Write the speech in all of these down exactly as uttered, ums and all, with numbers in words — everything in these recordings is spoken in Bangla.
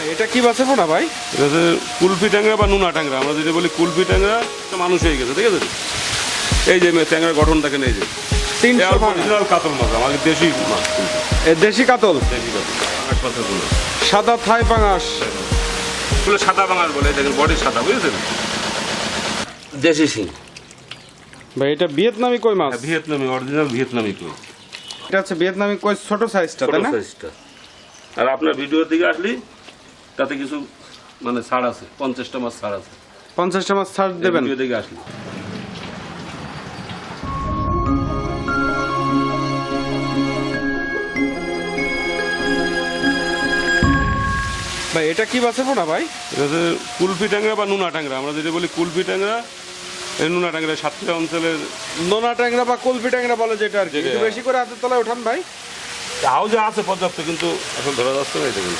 এটা কি বাছাবো না ভাই? এটা হচ্ছে কুলফি ট্যাংরা বা নুনা ট্যাংরা, আমরা যেটা বলি কুলফি ট্যাংরা, মানুষ হয়ে গেছে, ঠিক আছে। এই যে ট্যাংরার গঠন দেখেন, এই যে তিনশো অরিজিনাল কাতল মাছ, আমাদের দেশি মাছ, দেশি কাতল, দেশি কাতল, আট পাঁচের গুলো সাদা থাই পাঙাশ, এগুলো সাদা পাঙাশ বলে, দেখেন বডি সাদা, বুঝেছেন, দেশি শিং ভাই। এটা ভিয়েতনামি কই মাছ? ভিয়েতনামি, অরিজিনাল ভিয়েতনামি কই। এটা হচ্ছে ভিয়েতনামি কই, ছোট সাইজটা, তাই না? সাইজটা। আর আপনার ভিডিওর দিকে আসলি তাতে কিছু মানে ছাড় আছে, পঞ্চাশটা মাছ ছাড় আছে, পঞ্চাশটা মাছ ছাড় দেবেন ভিডিও দিকে আসলি। ভাই এটা কি বাছাবো না ভাই? এটা হচ্ছে কুলফি ট্যাংরা বা নুনা ট্যাংরা, আমরা যেটা বলি কুলফি ট্যাংরা, এই নুনা ট্যাংরা সাতক্ষীরা অঞ্চলের নোনা ট্যাংরা বা কুলফি ট্যাংরা বলে যেটা আর কি। একটু বেশি করে হাতের তলায় ওঠান ভাই। হাউজে আছে পর্যাপ্ত, কিন্তু এখন ধরা যাচ্ছে না। এটা কিন্তু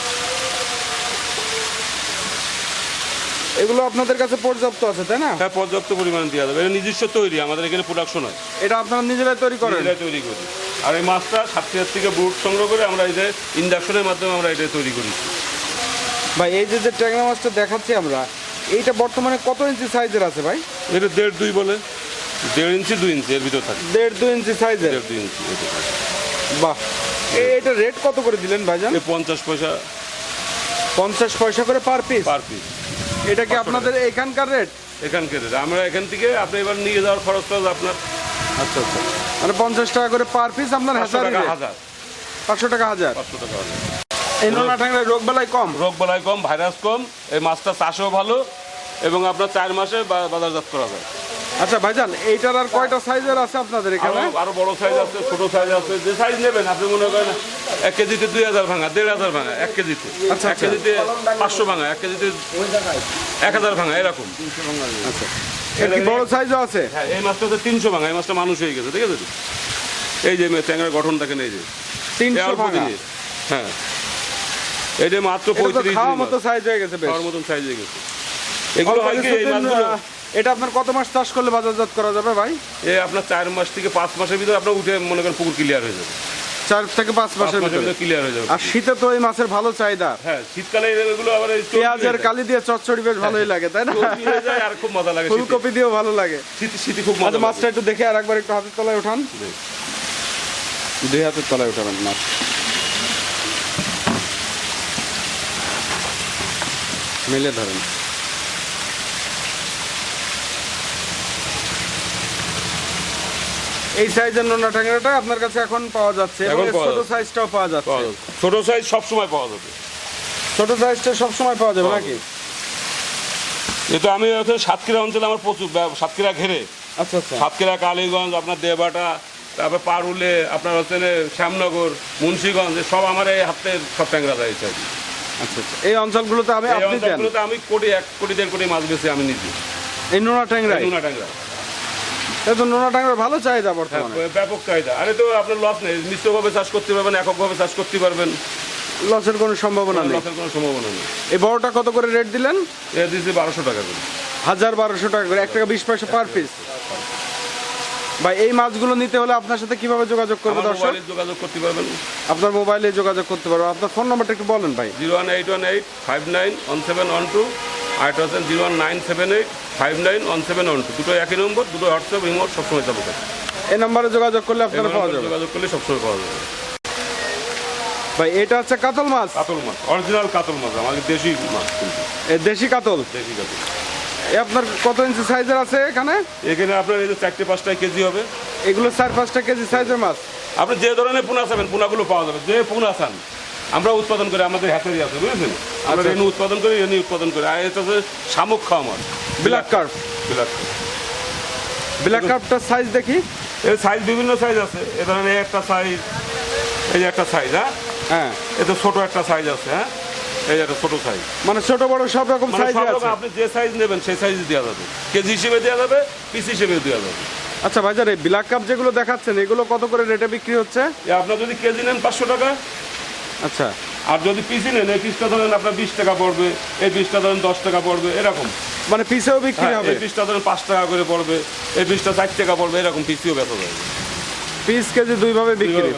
এগুলো আপনাদের কাছে পর্যাপ্ত আছে, তাই না? হ্যাঁ, পর্যাপ্ত পরিমাণে দেওয়া যাবে। এটা নিজস্ব তৈরি, আমাদের এখানে প্রোডাকশন হয়, এটা আপনারা নিজেরাই তৈরি করেন? নিজেরাই তৈরি করি। আর এই মাছটা সাতক্ষীরার থেকে বুট সংগ্রহ করে আমরা এই যে ইন্ডাকশনের মাধ্যমে আমরা এটা তৈরি করি। ভাই এই যে যে ট্যাংরা মাছটা দেখাচ্ছি আমরা, এইটা বর্তমানে কত ইঞ্চি সাইজের আছে ভাই? এটা দেড় দুই বলে, দেড় ইঞ্চি দুই ইঞ্চি এর ভিতর থাকে। দেড় দুই ইঞ্চি সাইজের? দেড় দুই ইঞ্চি। বাহ। এটা রেট কত করে দিলেন ভাইজান? পঞ্চাশ পয়সা, পঞ্চাশ পয়সা করে পার পিস? Per piece. এটা কি আপনাদের এখানকার রেট? এখানকার রেট। আমরা এখান থেকে আপনি এবার নিয়ে যাওয়ার খরচটা আপনার। আচ্ছা আচ্ছা, মানে পঞ্চাশ টাকা করে পার পিস আপনার হাজার? হাজার পাঁচশো টাকা হাজার? পাঁচশো টাকা হাজার। এই নোনা ট্যাংরায় রোগ বালাই কম? রোগ বালাই কম, ভাইরাস কম, এই মাছটা চাষও ভালো, এবং আপনার চার মাসে বাজারজাত করা যায়। আচ্ছা ভাইজান, এইটার আর কয়টা সাইজের আছে আপনাদের এখানে? আরো বড় সাইজ আছে, ছোট সাইজ আছে, যে সাইজ নেবেন আপনি মনে করেন এক কেজিতে দুই হাজার ভাঙা, দেড় হাজার ভাঙা, এক কেজিতে আচ্ছা, এক কেজিতে পাঁচশো ভাঙা, এক কেজিতে এক হাজার ভাঙা, এরকম। আচ্ছা, এর কি বড় সাইজও আছে? হ্যাঁ, এই মাছটা হচ্ছে তিনশো ভাঙা, এই মাছটা মানুষ হয়ে গেছে, ঠিক আছে। এই যে ট্যাংরার গঠন দেখেন, এই যে তিনশো ভাঙা। হ্যাঁ, এই যে মাত্র পঁয়ত্রিশ খাওয়ার মতো সাইজ হয়ে গেছে, খাওয়ার মতন সাইজ হয়ে গেছে। এগুলো হয় কি, এই মাছগুলো এটা আপনার কত মাস চাষ করলে বাজারজাত করা যাবে ভাই? এই আপনার চার মাস থেকে পাঁচ মাসের ভিতরে আপনার উঠে মনে করেন পুকুর ক্লিয়ার হয়ে যাবে। চার থেকে পাঁচ মাসের ভিতরে ক্লিয়ার হয়ে যাবে। আর শীতে তো এই মাছের ভালো চাহিদা। হ্যাঁ, শীতকালে এগুলো আবার পেঁয়াজের কালি দিয়ে চচ্চড়ি বেশ ভালোই লাগে, তাই না? আর খুব মজা লাগে, ফুলকপি দিয়েও ভালো লাগে। শীতে শীতে খুব মজা। মাছটা একটু দেখে আর একবার একটু হাতের তলায় ওঠান, দুই হাতের তলায় ওঠাবেন মাছ। মেলে ধরেন। এই সাইজের নোনা ট্যাংরাটা আপনার কাছে এখন পাওয়া যাচ্ছে, এবং ছোট সাইজটাও পাওয়া যাচ্ছে। ছোট সাইজ সব সময় পাওয়া যাবে, ছোট সাইজটা সব সময় পাওয়া যাবে নাকি? যেহেতু আমি সাতক্ষীরা অঞ্চলে আমার প্রচুর, সাতক্ষীরা ঘেরে, আচ্ছা আচ্ছা, সাতক্ষীরা, কালীগঞ্জ, আপনার দেবাটা, তারপর পারুলে, আপনার হচ্ছে শ্যামনগর, মুন্সিগঞ্জ, সব আমার এই হাতে সব ট্যাংরা রয়েছে। আচ্ছা আচ্ছা, এই অঞ্চলগুলোতে আমি আপনি দেন? আমি কোটি এক কোটি দেড় কোটি মাছ বেশি আমি নিজে এই নোনা ট্যাংরা। নোনা ট্যাংরা তো নোনা ট্যাংরার ভালো চাহিদা বর্তমানে, ব্যাপক চাহিদা। আরে তো আপনার লস নেই, মিশ্রভাবে চাষ করতে পারবেন, এককভাবে চাষ করতে পারবেন, লসের কোনো সম্ভাবনা নেই। লসের কোনো সম্ভাবনা নেই। এই বড়টা কত করে রেট দিলেন? এটা দিয়েছি বারোশো টাকা করে, হাজার বারোশো টাকা করে, এক টাকা বিশ পয়সা পার পিস। ভাই এই মাছগুলো নিতে হলে আপনার সাথে কিভাবে যোগাযোগ করবো দর্শক? যোগাযোগ করতে পারবেন, আপনার মোবাইলে যোগাযোগ করতে পারবো। আপনার ফোন নাম্বারটা একটু বলেন ভাই। Zero one eight one eight five nine one seven one two, আর এটা হচ্ছে zero one nine seven eight five nine one seven one two. দুটো একই নম্বর, দুটো হোয়াটসঅ্যাপ ইমো সবসময় চালু থাকে। এই নাম্বারে যোগাযোগ করলে আপনারা পাওয়া যাবে, যোগাযোগ করলে সবসময় পাওয়া যাবে। ভাই এটা হচ্ছে কাতল মাছ? কাতল মাছ, অরিজিনাল কাতল মাছ, আমাদের দেশি মাছ, এই দেশি কাতল। দেশি কাতল। এই আপনার কত ইঞ্চি সাইজের আছে এখানে? এখানে আপনার এই যে চারটে পাঁচটা কেজি হবে। এগুলো চার পাঁচটা কেজি সাইজের মাছ। আপনি যে ধরনের পোনা চাবেন পোনাগুলো পাওয়া যাবে, যে পোনা চান আমরা উৎপাদন করি, আমাদের হ্যাচারি আছে, বুঝেছেন? আমরা রেনু উৎপাদন করি, রেনু উৎপাদন করি। আর এটা হচ্ছে শামুক খাওয়া মাছ, ব্ল্যাক কার্প। ব্ল্যাক ব্ল্যাক কার্পটার সাইজ দেখি। এর সাইজ বিভিন্ন সাইজ আছে, এ ধরনের এই একটা সাইজ, এই যে একটা সাইজ, হ্যাঁ হ্যাঁ, এটা ছোট একটা সাইজ আছে, হ্যাঁ এই একটা ছোট সাইজ, মানে ছোট বড় সব রকম সাইজ আছে। আপনি যে সাইজ নেবেন সেই সাইজ দেওয়া যাবে, কেজি হিসেবে দেওয়া যাবে, পিস হিসেবে দেওয়া যাবে। আচ্ছা ভাইজান, এই ব্ল্যাক কাপ যেগুলো দেখাচ্ছেন এগুলো কত করে রেটে বিক্রি হচ্ছে? আপনার যদি কেজি নেন পাঁচশো টাকা, আচ্ছা, আর যদি পিসি নেন এই পিসটা ধরেন আপনার বিশ টাকা পড়বে, এই পিসটা ধরেন দশ টাকা পড়বে, এরকম। মানে পিসেও বিক্রি হবে? এই পিসটা ধরেন পাঁচ টাকা করে পড়বে, এই পিসটা চার টাকা পড়বে, এরকম পিসিও বেচা যাবে। পিস কেজি দুইভাবে বিক্রি।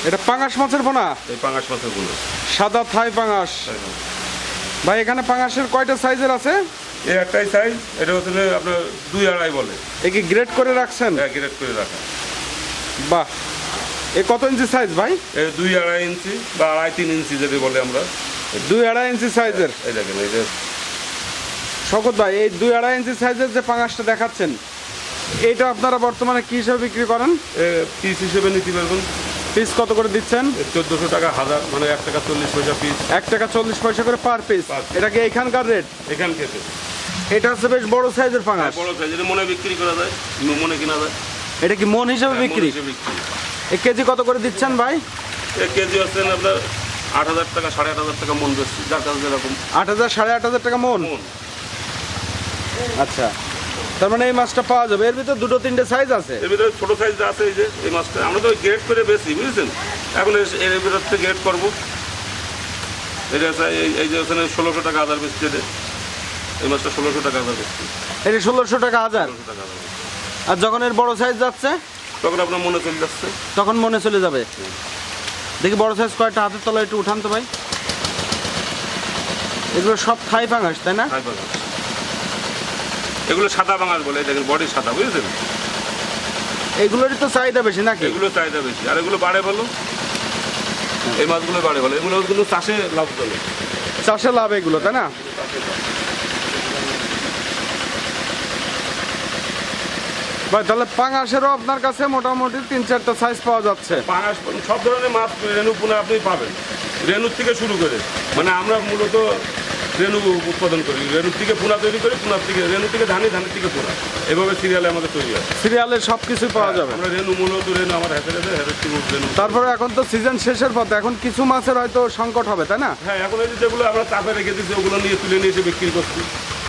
এটা পাঙাশ মাছের পোনা, এই পাঙাশ মাছের পোনা, সাদা থাই পাঙাশ। ভাই এখানে পাঙাশের কয়টা সাইজের আছে? এই একটাই সাইজ, এটা হচ্ছে আপনার দুই আড়াই বলে। এ কি গ্রেড করে রাখছেন? হ্যাঁ, গ্রেড করে রাখা। বাহ, এ কত ইঞ্চি সাইজ ভাই? এই দুই আড়াই ইঞ্চি বা আড়াই তিন ইঞ্চি যদি বলে আমরা। দুই আড়াই ইঞ্চি সাইজের। এই দেখেন, এই যে শওকত ভাই, এই দুই আড়াই ইঞ্চি সাইজের যে পাঙাশটা দেখাচ্ছেন, এটা আপনারা বর্তমানে কি হিসাবে বিক্রি করেন? পিস হিসেবে নিতে পারবেন। পিস কত করে দিচ্ছেন? চোদ্দশো টাকা হাজার, মানে এক টাকা চল্লিশ পয়সা পিস। এক টাকা চল্লিশ পয়সা করে পার পিস। Per piece। এটা কি এখানকার রেট? এখান থেকে এটা হচ্ছে বেশ বড় সাইজের পাঙাশ। বড় সাইজ, এটা মনে বিক্রি করা যায়, মনে কিনা যায়। এটা কি মন হিসাবে হ্যাঁ, মন বিক্রি? হিসেবে বিক্রি। এক কেজি কত করে দিচ্ছেন ভাই? এক কেজি হচ্ছে আপনার আট হাজার টাকা, সাড়ে আট হাজার টাকা মন বেশি, যার কাছে যেরকম আট হাজার সাড়ে আট হাজার টাকা মন। মন। আচ্ছা, তার মানে এই মাছটা পাওয়া যাবে। এর ভিতরে দুটো তিনটে সাইজ আছে। এর ভিতরে ছোট সাইজ আছে, এই যে এই মাছটা আমরা তো গ্রেড করে বেশি, বুঝেছেন। এখন এর- এর ভিতর থেকে গ্রেড করবো। এটা হচ্ছে এই- এই যে ওখানে ষোলোশো টাকা হাজার বেশি, এটা এই মাছটা ষোলোশো টাকা হাজার বেশি, এটা ষোলোশো টাকা হাজার। ষোলোশো টাকা হাজার বেশি। আর যখন এর বড় সাইজ যাচ্ছে তখন আপনার মনে চলে যাচ্ছে। তখন মনে চলে যাবে। দেখি বড় সাইজ কয়টা হাতের তলায় একটু উঠান তো ভাই। এগুলো সব থাই পাঙাশ, তাই না? হাই পাঙাশ। এগুলো সাদা বাঙাল বলে, এই দেখেন বডি সাদা, বুঝেছেন। এগুলোরই তো চাহিদা বেশি নাকি? এগুলো চাহিদা বেশি, আর এগুলো বাড়ে ভালো। এই মাছগুলো বাড়ে ভালো, এগুলো কিন্তু চাষে লাভজনক। চাষে লাভ এগুলো, তাই না? ভাই তাহলে পাঙাশেরও আপনার কাছে মোটামুটি তিন চারটা সাইজ পাওয়া যাচ্ছে। পাঙাশ সব ধরনের মাছ রেণু পোনা আপনি পাবেন, রেণুর থেকে শুরু করে। মানে আমরা মূলত রেণু উৎপাদন করি, রেণুর থেকে পোনা তৈরি করি, পোনার থেকে রেণু থেকে ধানি, ধানের থেকে পোনা, এভাবে সিরিয়ালে আমাদের তৈরি হয়। সিরিয়ালের সব কিছুই পাওয়া যাবে। আমরা রেণু মূলত রেণু আমার হাতে হাতে হাতের থেকে রেণু। তারপরে এখন তো সিজন শেষের পথে, এখন কিছু মাছের হয়তো সংকট হবে, তাই না? হ্যাঁ, এখন এই যে যেগুলো আমরা চাপে রেখে দিচ্ছি, ওগুলো নিয়ে তুলে নিয়ে এসে বিক্রি করছি।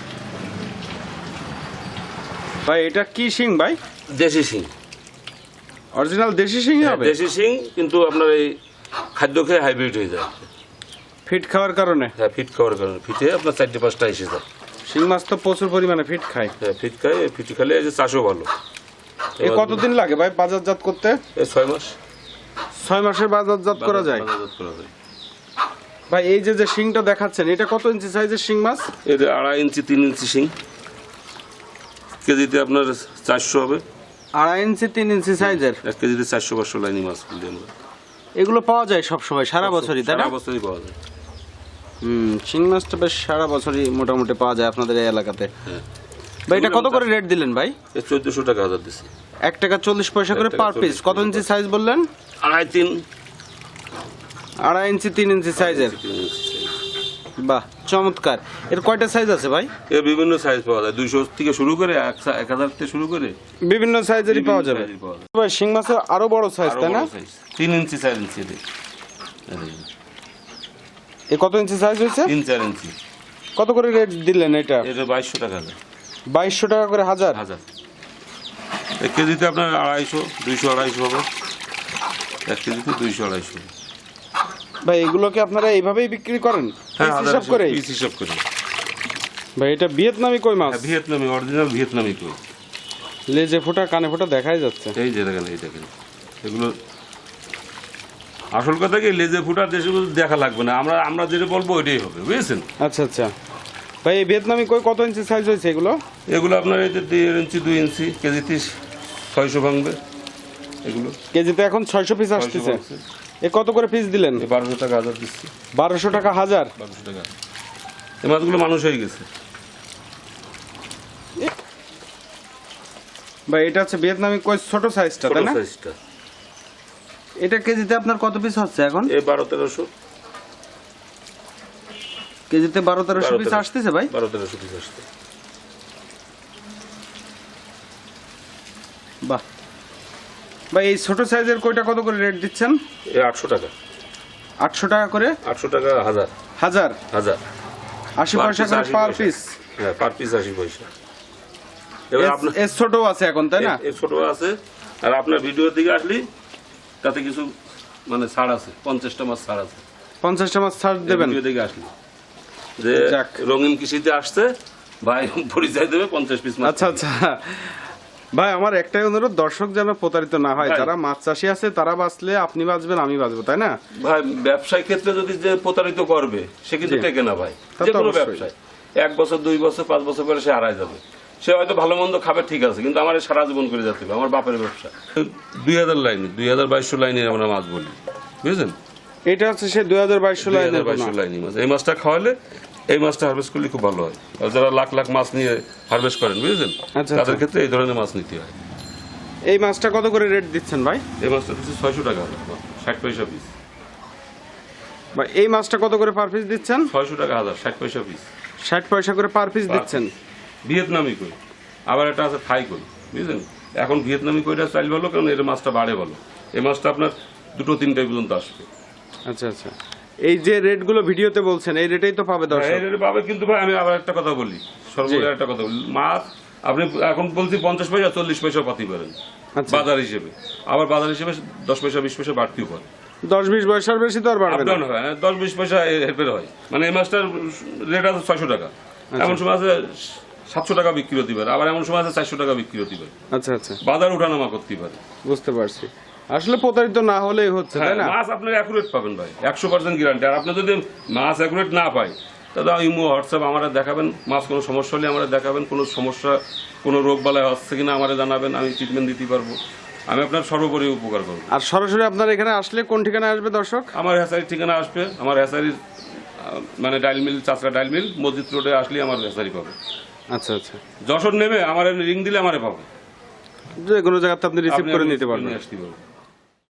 ভাই এটা কি শিং ভাই? দেশি শিং, অরিজিনাল দেশি শিং হবে? দেশি শিং, কিন্তু আপনার এই খাদ্য খেয়ে হাইব্রিড হয়ে যায়। ফিট খাওয়ার কারণে? হ্যাঁ, ফিট খাওয়ার কারণে ফিটে আপনার চারটে পাঁচটা এসে যায়। শিং মাছ তো প্রচুর পরিমাণে ফিট খায়। হ্যাঁ, ফিট খায়, ফিট খেলে এই যে চাষও ভালো। এ কতদিন লাগে ভাই বাজারজাত করতে? এই ছয় মাস ছয় মাসের বাজারজাত করা যায়। বাজারজাত করা যায়। ভাই এই যে যে শিংটা দেখাচ্ছেন, এটা কত ইঞ্চি সাইজের শিং মাছ? এটা আড়াই ইঞ্চি তিন ইঞ্চি শিং, কেজিতে আপনার চারশো হবে। আড়াই ইঞ্চি তিন ইঞ্চি সাইজের? এক কেজিতে চারশো পাঁচশো লাইনি মাছ বলি আমরা। এগুলো পাওয়া যায় সব সময়, সারা বছরই, তাই না? সারা বছরই পাওয়া যায়। হুম, শিং মাছটা বেশ সারা বছরই মোটামুটি পাওয়া যায় আপনাদের এই এলাকাতে। হ্যাঁ। ভাই এটা কত করে রেট দিলেন ভাই? এই চোদ্দশো টাকা হাজার দিচ্ছি। এক টাকা চল্লিশ পয়সা করে এক টাকা পার পিস। চল্লিশ কত ইঞ্চি সাইজ বললেন? আড়াই তিন আড়াই ইঞ্চি তিন ইঞ্চি সাইজের। তিন ইঞ্চি size। বাহ, চমৎকার। এর কয়টা সাইজ আছে ভাই? এর বিভিন্ন সাইজ পাওয়া যায়, দুইশো থেকে শুরু করে এক সা- এক হাজার থেকে শুরু করে বিভিন্ন সাইজেরই পাওয়া যাবে। বিভিন্ন size-ই পাওয়া যায়। ভাই শিং মাছের আরো বড় সাইজ, আরো তাই না? বড় size, তিন ইঞ্চি চার ইঞ্চি এদের। এদের। এ কত ইঞ্চি সাইজ হয়েছে? তিন চার ইঞ্চি। কত করে রেট দিলেন এটা? এটা বাইশশো টাকা হাজার। বাইশশো টাকা করে হাজার। হাজার এক কেজিতে আপনার আড়াইশো দুইশো আড়াইশো হবে, এক কেজিতে দুইশো আড়াইশো। ভাই এগুলোকে আপনারা এইভাবেই বিক্রি করেন? হ্যাঁ, পিস হিসাব করে? পিস হিসাব করে। ভাই এটা ভিয়েতনামি কই মাছ? হ্যাঁ, ভিয়েতনামি, অরিজিনাল ভিয়েতনামি কই। লেজে ফোঁটা কানে ফোঁটা দেখাই যাচ্ছে। এই যে দেখেন, এই দেখেন, এগুলো আসল কথা কি, লেজে ফুটা দেশগুলো দেখা লাগবে না, আমরা আমরা যেটা বলবো ওইটাই হবে, বুঝেছেন। আচ্ছা আচ্ছা। ভাই এই ভিয়েতনামি কই কত ইঞ্চি সাইজ হয়েছে এগুলো? এগুলো আপনার এই যে দেড় ইঞ্চি দুই ইঞ্চি, কেজিতে ছয়শো ভাঙবে এগুলো। কেজিতে এখন ছয়শো পিস আসতেছে। এ কত করে পিস দিলেন? এই বারোশো টাকা হাজার দিচ্ছি। বারোশো টাকা হাজার? বারোশো টাকা। এই মাছগুলো মানুষ হয়ে গেছে। ভাই এটা হচ্ছে ভিয়েতনামি কই ছোট সাইজটা, ছোট তাই না? সাইজটা। এটা কেজিতে আপনার কত পিস হচ্ছে এখন? এই বারো তেরোশো। কেজিতে বারো তেরোশো বারো পিস তেরো। আসতেছে ভাই? বারো তেরোশো পিস আসছে। বাহ। ভাই এই ছোট সাইজের কয়টা কত করে রেট দিচ্ছেন? এই আটশো টাকা। আটশো টাকা করে? আটশো টাকা হাজার। হাজার? হাজার। আশি Per পয়সা piece করে আশি পার পয়সা। পিস? হ্যাঁ, পার পিস আশি পয়সা। এবার আপনার এর ছোট আছে এখন, তাই না? এর ছোট আছে, আর আপনার ভিডিওর দিকে আসলি তাতে কিছু মানে ছাড় আছে, পঞ্চাশটা মাছ ছাড় আছে। পঞ্চাশটা মাছ ছাড় দেবেন? ভিডিও দিকে আসলি যে যাক। রঙিন কৃষিতে আসছে ভাই, পরিচয় দেবে পঞ্চাশ পিস মাছ। আচ্ছা আচ্ছা। ভাই আমার একটাই অনুরোধ, দর্শক যেন প্রতারিত না হয়। ভাই। যারা মাছ চাষি আছে তারা বাঁচলে আপনি বাঁচবেন, আমি বাঁচবো, তাই না? ভাই ব্যবসায় ক্ষেত্রে যদি যে প্রতারিত করবে সে কিন্তু জি। টেকে না ভাই। তা তো যে কোনো অবশ্যই। ব্যবসায় এক বছর দুই বছর পাঁচ বছর পরে সে হারায় যাবে। সে হয়তো ভালো মন্দ খাবে ঠিক আছে, কিন্তু আমার এই সারা জীবন করে যেতে হবে, আমার বাপের ব্যবসা। দুই হাজার লাইনে দুই হাজার বাইশশো লাইনে আমরা মাছ বলি, বুঝলেন? এটা হচ্ছে সে দুই হাজার বাইশশো দুই হাজার লাইনের বাইশশো পোনা। লাইনি মাছ। এই মাছটা খাওয়ালে এই মাছটা হারভেস্ট করলে খুব ভালো হয়। আর যারা লাখ লাখ মাছ নিয়ে হারভেস্ট করেন, বুঝলেন, আচ্ছা, তাদের আচ্ছা। ক্ষেত্রে এই ধরনের মাছ নিতে হয়। এই মাছটা কত করে রেট দিচ্ছেন ভাই? এই মাছটা হচ্ছে ছয়শো টাকা, ষাট পয়সা পিস। বা এই মাছটা কত করে পার পিস দিচ্ছেন? ছয়শো টাকা হাজার, ষাট পয়সা পিস। ষাট পয়সা করে পার পিস দিচ্ছেন। ভিয়েতনামি কই, আবার একটা আছে থাই কই, বুঝলেন? এখন ভিয়েতনামি কইটা চাইল ভালো, কারণ এর মাছটা বাড়ে ভালো। এই মাছটা আপনার দুটো তিনটাই পর্যন্ত আসবে। আচ্ছা আচ্ছা, এই যে রেটগুলো ভিডিওতে বলছেন এই রেটেই তো পাবে দর্শক? এই রেটে পাবে, কিন্তু ভাই আমি আবার একটা কথা বলি, সর্বোচ্চ একটা কথা বলি, মাছ আপনি এখন বলছি পঞ্চাশ পয়সা চল্লিশ পয়সা পাতি পারেন আচ্ছা। বাজার হিসেবে, আবার বাজার হিসেবে দশ পয়সা বিশ পয়সা বাড়তেও পারে। দশ বিশ পয়সার বেশি তো আর বাড়বে না। আপডাউন হয়, হ্যাঁ, দশ বিশ পয়সা হেরফের হয়। মানে এই মাছটার রেট আছে ছয়শো টাকা, এমন সময় আছে সাতশো টাকা বিক্রি হতে পারে, আবার এমন সময় আছে চারশো টাকা বিক্রি হতে পারে। আচ্ছা আচ্ছা, বাজার উঠানামা করতে পারে। বুঝতে পারছি। আসলে প্রতারিত না হলেই হচ্ছে, তাই না? মাছ আপনার অ্যাকুরেট পাবেন ভাই, একশো পার্সেন্ট গ্যারান্টি। আর আপনি যদি মাছ অ্যাকুরেট না পাই, তাহলে ইমো হোয়াটসঅ্যাপ আমার দেখাবেন, মাছ কোনো সমস্যা হলে আমার দেখাবেন, কোনো সমস্যা কোনো রোগ বালাই হচ্ছে কিনা আমার জানাবেন, আমি ট্রিটমেন্ট দিতে পারবো, আমি আপনার সর্বোপরি উপকার করবো। আর সরাসরি আপনার এখানে আসলে কোন ঠিকানায় আসবে দর্শক? আমার হ্যাসারির ঠিকানা আসবে, আমার হ্যাসারির আহ, মানে ডাইল মিল, চাষরা ডাইল মিল, মসজিদ রোডে আসলে আমার হ্যাসারি পাবে। আচ্ছা আচ্ছা, যশোর নেমে আমার রিং দিলে আমারে পাবে, যে কোনো জায়গাতে আপনি রিসিভ আপনি করে নিতে পারবেন। নিয়ে আসতে পারবেন।